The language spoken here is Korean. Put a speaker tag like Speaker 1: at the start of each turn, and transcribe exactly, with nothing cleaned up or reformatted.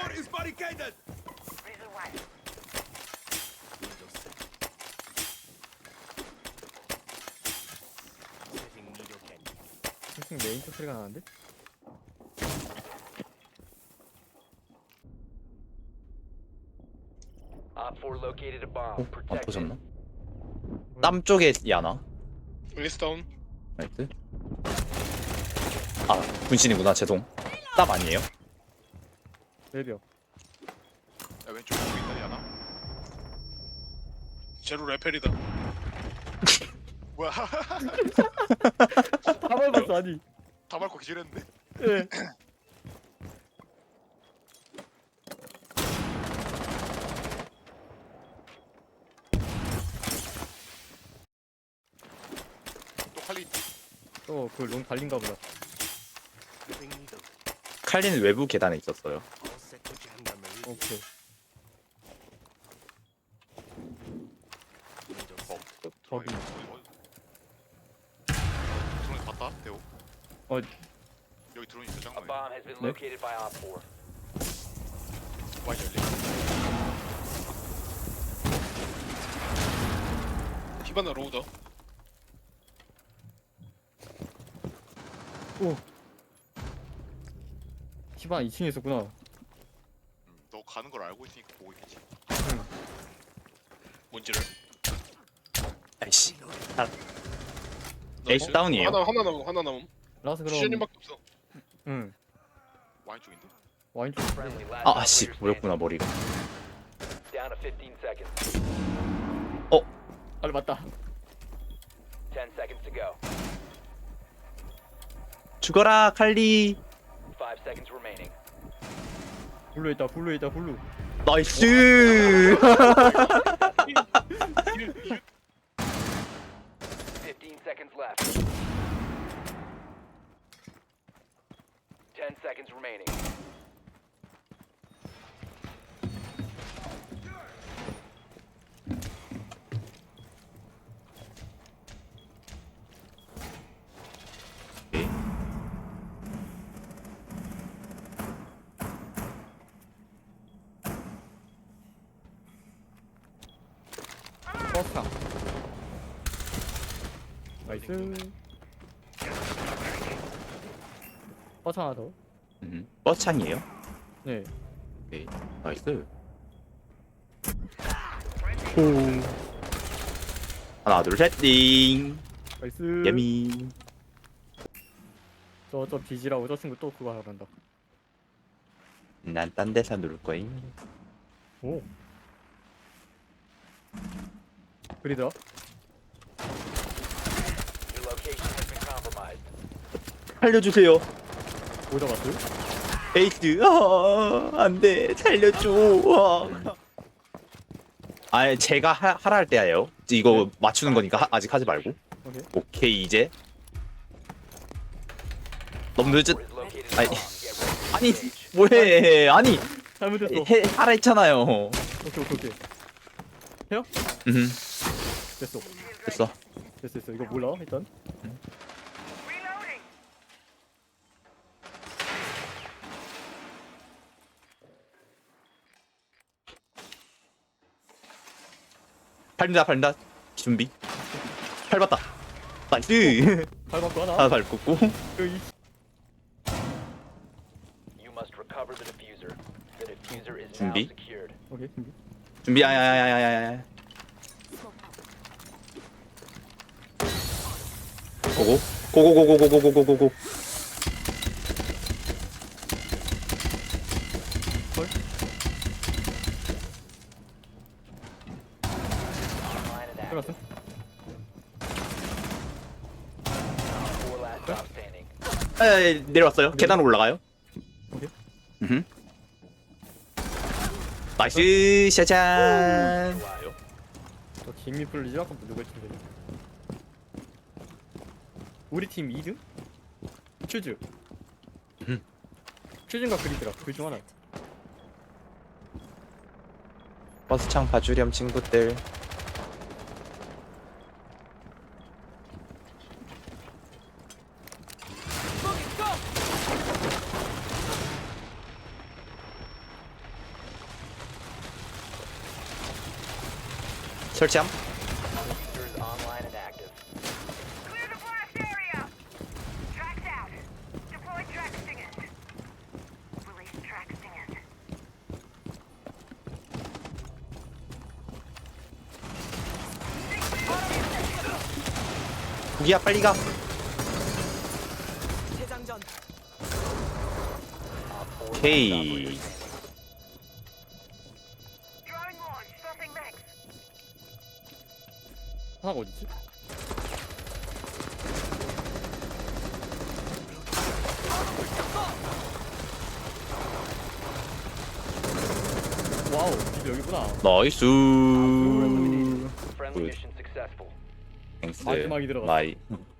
Speaker 1: 싱싱 메인 쪽 소리가 나는데?
Speaker 2: Op four located a bomb.
Speaker 3: 어? 안
Speaker 2: Protect it.
Speaker 3: 터졌나? 땀 쪽에 야나?
Speaker 4: 웨스타운.
Speaker 3: 나이스. 아 분신이구나 죄송. 땀 아니에요?
Speaker 1: 외벽.
Speaker 4: 야 왼쪽 보고 있다 야나. 제로 레펠이다. 뭐야?
Speaker 1: 다 밟았어 아니.
Speaker 4: 다 밟고 기절했는데.
Speaker 1: 예.
Speaker 4: 또 칼리.
Speaker 1: 또그 롱 달린가 보다.
Speaker 3: 칼리는 외부 계단에 있었어요.
Speaker 1: 오케이.
Speaker 4: 어.
Speaker 1: 저기.
Speaker 4: 드론 봤다 대호.
Speaker 1: 어.
Speaker 4: 여기 드론 있어
Speaker 2: A
Speaker 4: 장난이.
Speaker 2: bomb has been
Speaker 1: 네?
Speaker 2: located by Op four.
Speaker 4: 많이 열리. 히바나 로우더.
Speaker 1: 오. 티바 이 층에 있었구나.
Speaker 4: 음, 너 가는 걸 알고 있으니까 보고 있겠지.
Speaker 1: 응.
Speaker 4: 뭔지를.
Speaker 3: 아이씨.
Speaker 4: 너
Speaker 3: 에이스
Speaker 4: 지금
Speaker 3: 다운이에요.
Speaker 4: 하나 하나 남음 하나 남음.
Speaker 1: 라스 그럼.
Speaker 4: 시즌님밖에 없어.
Speaker 1: 응.
Speaker 4: 와인 쪽인데.
Speaker 1: 와인 쪽.
Speaker 2: Friendly last
Speaker 3: 아 씨
Speaker 2: operator
Speaker 3: 보였구나 머리가.
Speaker 2: standing. Down to fifteen seconds.
Speaker 1: 아 맞다.
Speaker 2: ten seconds to go.
Speaker 3: 죽어라 칼리.
Speaker 2: five seconds remaining.
Speaker 1: 블루 있다. 블루 있다. 블루.
Speaker 3: 나이스.
Speaker 2: fifteen seconds left. ten seconds remaining.
Speaker 1: 버스타. 나이스. 버스 하나 더.
Speaker 3: 음, 버스창이에요?
Speaker 1: 네.
Speaker 3: 오케이. 나이스.
Speaker 1: 오.
Speaker 3: 하나 둘 셋 띵.
Speaker 1: 나이스.
Speaker 3: 예미.
Speaker 1: 저저 비지라고 저 친구 또 그거 하러 간다.
Speaker 3: 난 딴 데서 누를 거임.
Speaker 1: 오. 그리더.
Speaker 2: Your location has been compromised.
Speaker 3: 살려주세요.
Speaker 1: 뭐 잡았어요?
Speaker 3: 에이스. 아, 안돼 살려줘. 아 제가 하, 하라 할 때예요. 이거 맞추는 거니까 하, 아직 하지 말고.
Speaker 1: 오케이.
Speaker 3: 오케이 이제. 너무 늦은.
Speaker 2: Is located
Speaker 3: 아니
Speaker 2: a bomb. Get ready to
Speaker 3: 아니
Speaker 2: engage.
Speaker 3: 뭐해 아니
Speaker 1: 잘못했어.
Speaker 3: 해, 하라 했잖아요.
Speaker 1: 오케이 오케이 오케이. 해요?
Speaker 3: 음
Speaker 1: 됐어.
Speaker 3: 됐어.
Speaker 1: 됐어 됐어. 이거 몰라 일단.
Speaker 3: 팔린다 팔린다. 준비. 팔 봤다. 나이스.
Speaker 1: 밟았고 하나.
Speaker 3: 하나 밟고.
Speaker 1: 그 이.
Speaker 2: You must recover the diffuser. The diffuser is now
Speaker 3: 준비.
Speaker 2: secured.
Speaker 1: 오케이 준비.
Speaker 3: 준비. 아야야야야야야. 고고. 고고고고고고고고고.
Speaker 1: 헐.
Speaker 2: Online and active.
Speaker 1: 들어갔음.
Speaker 2: Four last stop standing.
Speaker 3: 아, 내려왔어요. 계단으로 올라가요.
Speaker 1: 오케이.
Speaker 3: 음. 나이스 샤잔.
Speaker 2: 좋아요.
Speaker 1: 저 김미 풀리지 아까부터 누가 했는데. 우리 팀 이 등? 퓨즈.
Speaker 3: 음.
Speaker 1: 퓨즈인가 그리더라. 그 중 하나.
Speaker 3: 버스창 봐주렴 친구들. 설치함.
Speaker 2: Diffuser is online and active.
Speaker 5: Clear the blast area! Tracks out. Deploy track stingers. Release track stingers.
Speaker 3: 구기야 빨리 가.
Speaker 5: 재장전.
Speaker 2: Op four
Speaker 3: 오케이.
Speaker 2: operators standing.
Speaker 5: Drawing launch. Swapping max.
Speaker 1: 하나가 어디지? 와우, 이거 여기구나.
Speaker 3: 나이스.
Speaker 2: Friendly
Speaker 3: Good.
Speaker 2: mission successful.
Speaker 3: 땡스.
Speaker 1: 마지막이 들어갔어.
Speaker 3: 마이.